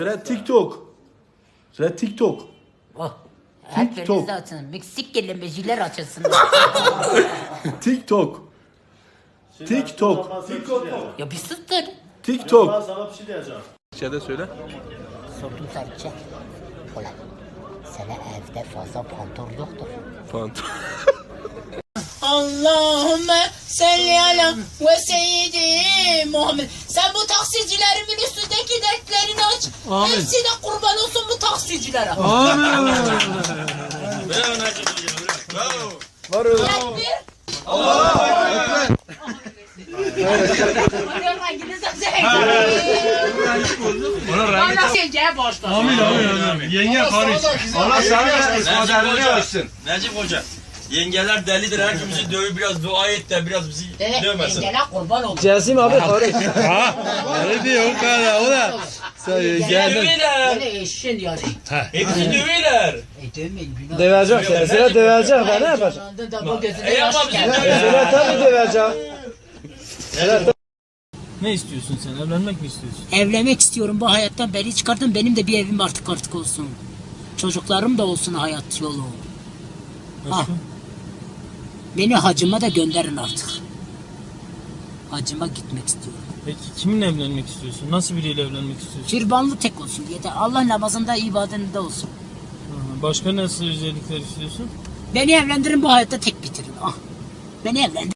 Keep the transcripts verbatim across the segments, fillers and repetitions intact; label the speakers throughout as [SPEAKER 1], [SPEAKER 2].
[SPEAKER 1] Red TikTok. Red TikTok.
[SPEAKER 2] Oh.
[SPEAKER 1] TikTok.
[SPEAKER 2] Hepiniz açın. Meksik kelimeciler açılsın.
[SPEAKER 1] TikTok. TikTok.
[SPEAKER 2] Ya bir sıktır.
[SPEAKER 1] TikTok.
[SPEAKER 3] Sana bir şey diyeceğim.
[SPEAKER 1] İçeride söyle.
[SPEAKER 2] Sordum sadece. Ulan. Sana evde fazla pantol yoktur.
[SPEAKER 1] Pant.
[SPEAKER 4] Allahümme salli ala ve seyyidi Muhammed. Sen bu taksicilerimin üstündeki dertlerini aç.
[SPEAKER 5] Amin.
[SPEAKER 4] Hepsi de kurban olsun bu taksicilere.
[SPEAKER 5] Amin.
[SPEAKER 1] Var öyle.
[SPEAKER 4] Tekbir. Bana sileceğe başla.
[SPEAKER 5] Amin amin amin. Yenge karış.
[SPEAKER 6] Allah sana ismadarını
[SPEAKER 7] Hoca,
[SPEAKER 6] olsun.
[SPEAKER 7] Necip Hoca. Yengeler delidir. Herkesi dövüp biraz dua et de biraz bizi dövmesin.
[SPEAKER 4] Engele kurban olsun.
[SPEAKER 5] Cesim abi karış. Ha? Öyle diyor o kadar o da. Sen geldin.
[SPEAKER 7] Dövüyorlar.
[SPEAKER 4] Böyle eşin yani.
[SPEAKER 7] Hepsi dövüyorlar.
[SPEAKER 4] E dövmeyin günah.
[SPEAKER 5] Dövecek seni. Sıra dövecek ben ne yapacağım?
[SPEAKER 4] Yanında da bu gözüne
[SPEAKER 7] Ey ama
[SPEAKER 4] yaş
[SPEAKER 7] bizi
[SPEAKER 4] geldi.
[SPEAKER 7] dövüyorlar.
[SPEAKER 5] Sıra tabii dövecek.
[SPEAKER 8] Ne istiyorsun sen? Evlenmek mi istiyorsun?
[SPEAKER 4] Evlenmek istiyorum, bu hayattan beni çıkartın, benim de bir evim artık artık olsun. Çocuklarım da olsun hayat yolu. Ha. Beni hacıma da gönderin artık. Hacıma gitmek istiyorum.
[SPEAKER 8] Peki kiminle evlenmek istiyorsun? Nasıl biriyle evlenmek istiyorsun?
[SPEAKER 4] Türbanlı tek olsun diye de Allah namazında ibadetinde olsun.
[SPEAKER 8] Hı, Başka nasıl özellikler istiyorsun?
[SPEAKER 4] Beni evlendirin, bu hayatta tek bitirin. Ah. Beni evlendirin.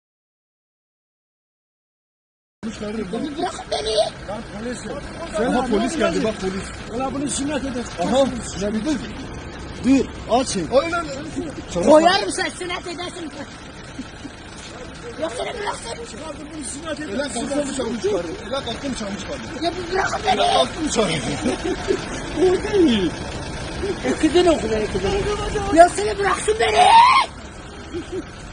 [SPEAKER 4] Bırakın beni.
[SPEAKER 5] Aha polis geldi bak polis. Ulan bunu sünnet eder. Aha. Ya bir dur. Dur açın.
[SPEAKER 4] Koyarım sen sünnet edersin. Yok seni bıraksana.
[SPEAKER 5] Ulan kalktım çamur çıkardı. Ulan kalktım çamur çıkardı.
[SPEAKER 4] Ya bir bırakın beni.
[SPEAKER 5] Kalktım çamur.
[SPEAKER 4] Kızın okula kızın. Ya seni bıraksın beni.